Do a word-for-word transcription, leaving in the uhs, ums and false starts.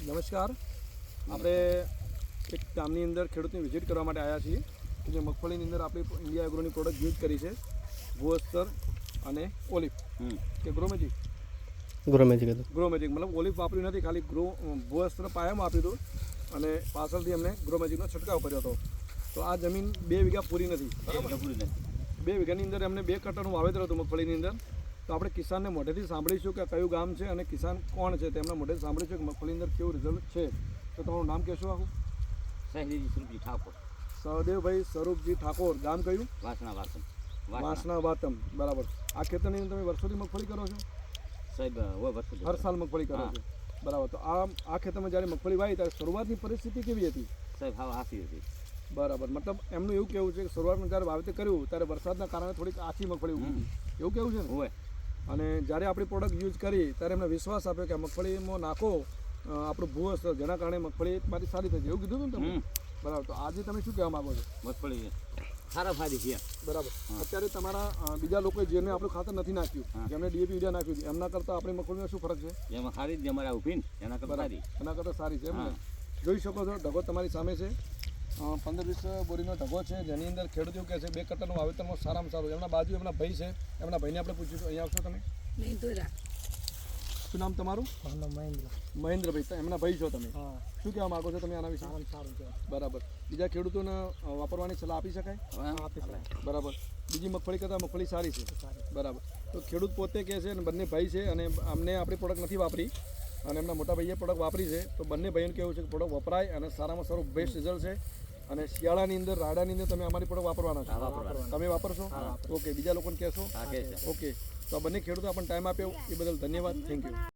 નમસ્કાર. આપણે એક ગામની અંદર ખેડૂતની વિઝિટ કરવા માટે આવ્યા છીએ કે જે મગફળીની અંદર આપણી ઇન્ડિયા એગ્રોની પ્રોડક્ટ યુઝ કરી છે, ભૂઅસ્તર અને ઓલિવ કે ગ્રો મેજિક ગ્રો મેજિક હતું ગ્રો મેજિક મતલબ ઓલિવ વાપર્યું નથી, ખાલી ગ્રો ભૂઅસ્તર પાયામાં આપ્યું હતું અને પાછળથી અમને ગ્રો મેજિકનો છંટકાવ કર્યો હતો. તો આ જમીન બે વીઘા પૂરી નથી, પૂરી નથી બે વીઘાની અંદર એમને બે કટ્ટાનું વાવેતર હતું મગફળીની અંદર. તો આપણે કિસાનને મોઢેથી સાંભળીશું કે કયું ગામ છે અને કિસાન કોણ છે, તેમના મોઢેથી સાંભળીશું કે મગફળી અંદર કેવું રિઝલ્ટ છે. તો તમારું નામ કહેશો આખું? સહેદેવજી સ્વરૂપજી ઠાકોર. સહદેવભાઈ સ્વરૂપજી ઠાકોર. ગામ કયું? વાસણા વાસમ. વાસણા વાતમ. બરાબર. આ ખેતરની અંદર તમે વર્ષોથી મગફળી કરો છો? સાહેબ હોય વર્ષો હર સાલ મગફળી કરો છો? બરાબર. તો આ આ ખેતરમાં જ્યારે મગફળી વાવી ત્યારે શરૂઆતની પરિસ્થિતિ કેવી હતી? સાહેબ હા આસી હતી. બરાબર. મતલબ એમનું એવું કેવું છે કે શરૂઆતમાં જ્યારે વાવેતર કર્યું ત્યારે વરસાદના કારણે થોડીક આછી મગફળી ઉગી એવું કેવું છે ને? હોય. અને જ્યારે આપણી પ્રોડક્ટ યુઝ કરી ત્યારે એમને વિશ્વાસ આપ્યો કે મગફળીમાં નાખો આપણું ભૂઅસ્તર, જેના કારણે મગફળી મારી સારી થઈ જાય એવું કીધું હતું ને તમે? બરાબર. તો આજે તમે શું કહેવા માગો છો? મગફળી સારા ફાયદે છે. બરાબર. અત્યારે તમારા બીજા લોકો જેને આપણું ખાતર નથી નાખ્યું, જેમને ડીએપી યુરિયા નાખ્યું છે, એમના કરતાં આપણી મગફળીમાં શું ફરક છે? એમાં સારી જ અમારે ઊભી ને એના કરતાં સારી. એના કરતાં સારી છે એમ ને? જોઈ શકો છો ઢગો તમારી સામે છે, પંદર વીસ બોરીનો ઢગો છે, જેની અંદર ખેડૂત એવું કહે છે બે કટ્ટાનું વાવેતરમાં સારામાં સારું. એમના બાજુ એમના ભાઈ છે, એમના ભાઈને આપણે પૂછીશું. અહીંયા આવશો તમે? શું નામ તમારું? મહેન્દ્ર. મહેન્દ્રભાઈ. એમના ભાઈ છો તમે? શું કહેવા માગો છો તમે આના વિશે? સારું છે. બરાબર. બીજા ખેડૂતોને વાપરવાની સલાહ આપી શકાય? આપી શકાય. બરાબર. બીજી મગફળી કરતાં મગફળી સારી છે. બરાબર. તો ખેડૂત પોતે કહે છે અને બંને ભાઈ છે અને અમને આપણી પ્રોડક્ટ નથી વાપરી અને એમના મોટા ભાઈએ પ્રોડક્ટ વાપરી છે. તો બંને ભાઈઓને કેવું છે કે પ્રોડક્ટ વપરાય અને સારામાં સારું બેસ્ટ રિઝલ્ટ છે. અને શિયાળાની અંદર રાડાની અંદર તમે અમારી પ્રોડક્ટ વાપરવાના છો? તમે વાપરશો? ઓકે. બીજા લોકોને કહેશો? ઓકે. તો આ બંને ખેડૂતો આપણને ટાઈમ આપ્યો એ બદલ ધન્યવાદ. Thank you.